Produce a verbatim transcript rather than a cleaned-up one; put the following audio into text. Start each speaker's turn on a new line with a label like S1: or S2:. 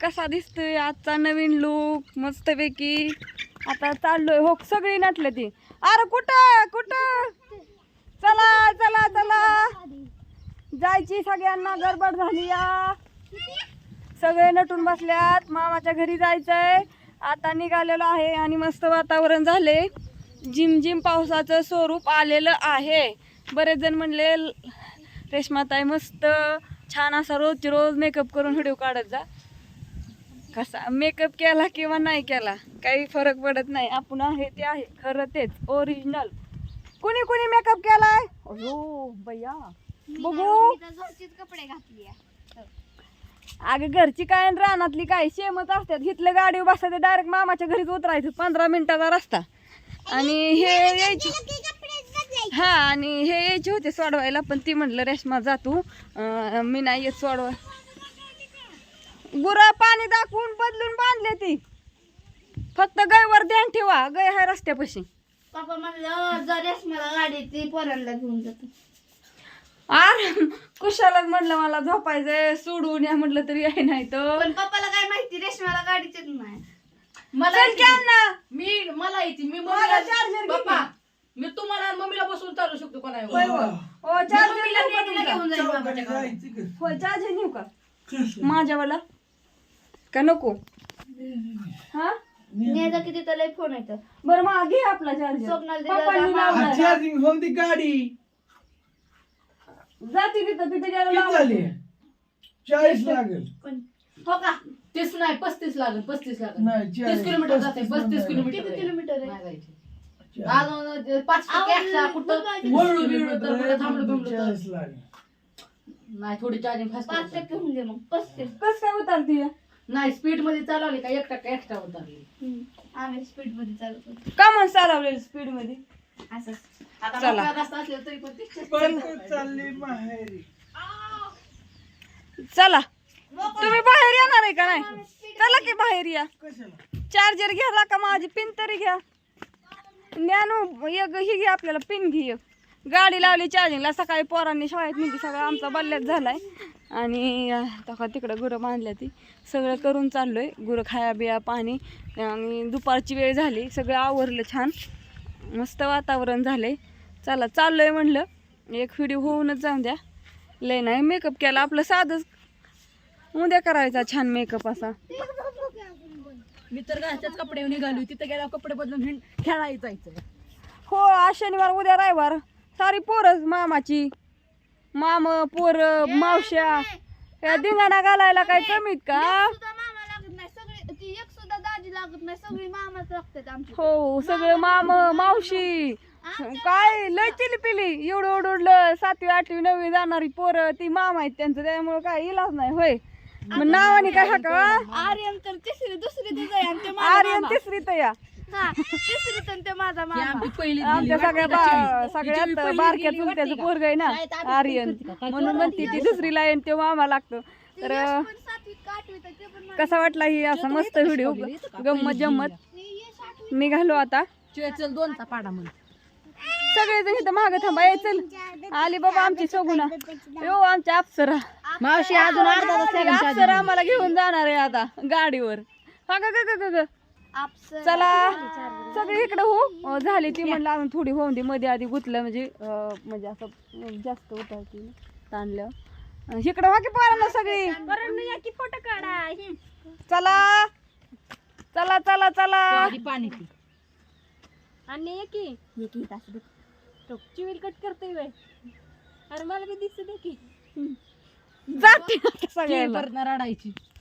S1: कसा दिसतोय आजचा नवीन लुक मस्तपैकी. आता चाललोय हो सगळी नटले ती. अरे कुठं कुठं चला चला चला जायची सगळ्यांना गडबड झाली या. सगळे नटून बसल्यात. मामाच्या घरी जायचंय. आता निघालेलो आहे आणि मस्त वातावरण झाले. जिम जिम पावसाचं स्वरूप आलेलं आहे. बरेच जण म्हणले रेश्माताई मस्त छान असा रोज रोज मेकअप करून व्हिडिओ काढत जा. कसा मेकअप केला किंवा नाही केला काही फरक पडत नाही. आपण आहे ते आहे खरं तेच ओरिजिनल. कुणी कुणी मेकअप केलाय हो भैया बघू.
S2: कपडे घातले
S1: अगं घरची काय आणि रानातली काय शेमच असतात. घेतलं गाडीवर बसायचं डायरेक्ट मामाच्या घरीच उतरायचं. पंधरा मिनिटाचा रस्ता. आणि हे यायचे हा आणि हे यायचे होते सोडवायला पण ती म्हटलं रेश्मा जा तू मी नाही येत सोडवा. गुरं पाणी दाखवून बदलून बांधले ती. फक्त गायवर ध्यान ठेवा. गाय हाय रस्त्यापाशी.
S2: पप्पा म्हणलं जर रेश्माला गाडी ती पोरांना घेऊन जातो.
S1: अरे कुशालाच म्हटलं मला झोपायचंय सोडून या म्हटलं तरी आहे नाही तर.
S2: पण पप्पाला काय माहिती रेश्माला गाडीच येत नाही.
S3: मला
S1: चल की अण्णा.
S3: मी मला येते मी
S1: मला
S3: मम्मीला
S1: चार्जर घे
S3: पप्पा
S1: की.
S3: मी तुम्हाला आणि मम्मीला बसून चालू शकतो कोणाला.
S1: होय होय. हो चार्जर
S3: मम्मीला
S1: नेऊ का
S3: नेटीला
S1: तुमचा?
S3: घेऊन जाईल बाबाच्या गावात.
S1: होय चार्जर नेऊ का माझ्यावाला का नको हा
S2: नेजा किती त्याला फोन येतो.
S1: बरं मग घे आपला चार्जर.
S2: स्वप्नाला दिला
S1: पप्पांनी
S2: जा,
S1: लावलाय.
S4: चार्जिंग होम ती गाडी
S1: जाते तिथं तिथे गेला
S4: किती
S1: लावा.
S4: झाली चाळीस लागेल.
S2: पण हो का
S3: तीस नाही पस्तीस लागेल पस्तीस लागेल.
S4: नाही,
S3: तीस
S4: चाळीस.
S3: किलोमीटर जाते
S4: पस्तीस
S3: पस्तीस
S4: नाही.
S3: किलोमीटर
S2: किती
S3: आहे.
S2: किलोमीटर आहे?
S3: नाही जायचे.
S4: चाळीस.
S3: अजून पाच टक्के extra कुठं वळू बिळू तर कुठं थांबलो बिंबलो तर.
S4: चाळीस लागेल.
S3: नाही थोडी चार्जिंग
S2: पाच
S3: फास्ट
S2: टक्के होऊन दे मग पस्तीस.
S1: कस काय उतरती या?
S3: नाही स्पीड मध्ये चालवली का एक टक्का एक्स्ट्रा उतरली.
S2: हम्म. आम्ही स्पीड मध्ये चालतो
S1: का म्हणून चालवलेलं स्पीड मध्ये.
S2: असंच.
S3: आता
S1: चला.
S3: मोकळा रस्ता असला तरी पण तीस
S4: परत चालली माहेरी.
S1: चला तुम्ही बाहेर येणार आहे का नाही. चला की बाहेर या.
S4: कशाला
S1: चार्जर घ्या का माझी पिन तरी घ्या. ज्ञानू एक ही घे आपल्याला पिन घे एक. गाडी लावली चार्जिंगला. सकाळी पोरांनी शाळेत नेली. सगळं आमचा बल्ल्यात झालाय. आणि आता तिकडं गुरं बांधल्या ती सगळं करून चाललोय. गुरं खाया बिया पाणी आणि दुपारची वेळ झाली. सगळं आवरलं छान मस्त वातावरण झालंय. चला चाललोय म्हणलं एक व्हिडिओ होऊनच जाऊन द्या. लय नाही मेकअप केला आपलं साधंच उद्या करायचा छान मेकअप असा.
S3: मी तर घरच्याच कपडे निघाली तिथे गेला कपडे बदलून हिंड खेळायला जायचं.
S1: हो आज शनिवार उद्या रविवार सारी पोरच मामाची माम पोर मावश्या या धिंगाणा घालायला काय कमीत का.
S2: सुद्धा मामा लागत नाही सगळे ती एक सुद्धा दाजी लागत नाही सगळी मामाच लागतात आमची.
S1: हो सगळं माम मावशी काय लय चिली पिली एवढं ओढलं सातवी आठवी नववी जाणारी पोरं ती मामा आहेत त्यांचं त्यामुळे काय इलाज नाही होय. मग नावाने काय हा का
S2: आर्यन तर तिसरी दुसरी तिचं आहे आणि ते माझा
S1: आर्यन
S2: मामा.
S1: तिसरी तर या
S2: हा तिसरी तर ते माझा मामा.
S3: आमची पहिली
S1: आमच्या सगळ्या बा- सगळ्यात बारक्या चुलत्याचं पोरग आहे ना आर्यन म्हणून म्हणते ती दुसरीला आहे आणि ते मामा लागतो. तर
S2: पण सातवीत का आठवीत आहे ते पण
S1: कसा वाटला ही असा मस्त व्हिडिओ गंमत जम्मत. निघालो आता
S3: चल दोनचा पाडा म्हणून
S1: सगळेजण इथं मागं थांबा. ये चल आली बाबा आमची सोगुना यो आमच्या अप्सरा
S3: मावशी अजून अर्धा तास लागेल
S1: अप्सरा आम्हाला घेऊन जाणार आहे आता गाडीवर. हा ग ग ग ग
S2: आपसर
S1: चला सगळे इकडे हो झाली ती म्हणलं अजून थोडी होऊन दे. मध्ये आधी गुतलं म्हणजे अं, म्हणजे असं जास्त उतरती ताणल्यावर. इकडं हो की पोरांना सगळी
S2: की फोटो काढा.
S1: चला चला चला चला.
S3: आधी पाणी पी.
S1: आणि एकी एकी तास चिवील कट करते वेळ. अरे मला बी दिसत की जाते आता सगळ्यांना.
S3: परत रडायची.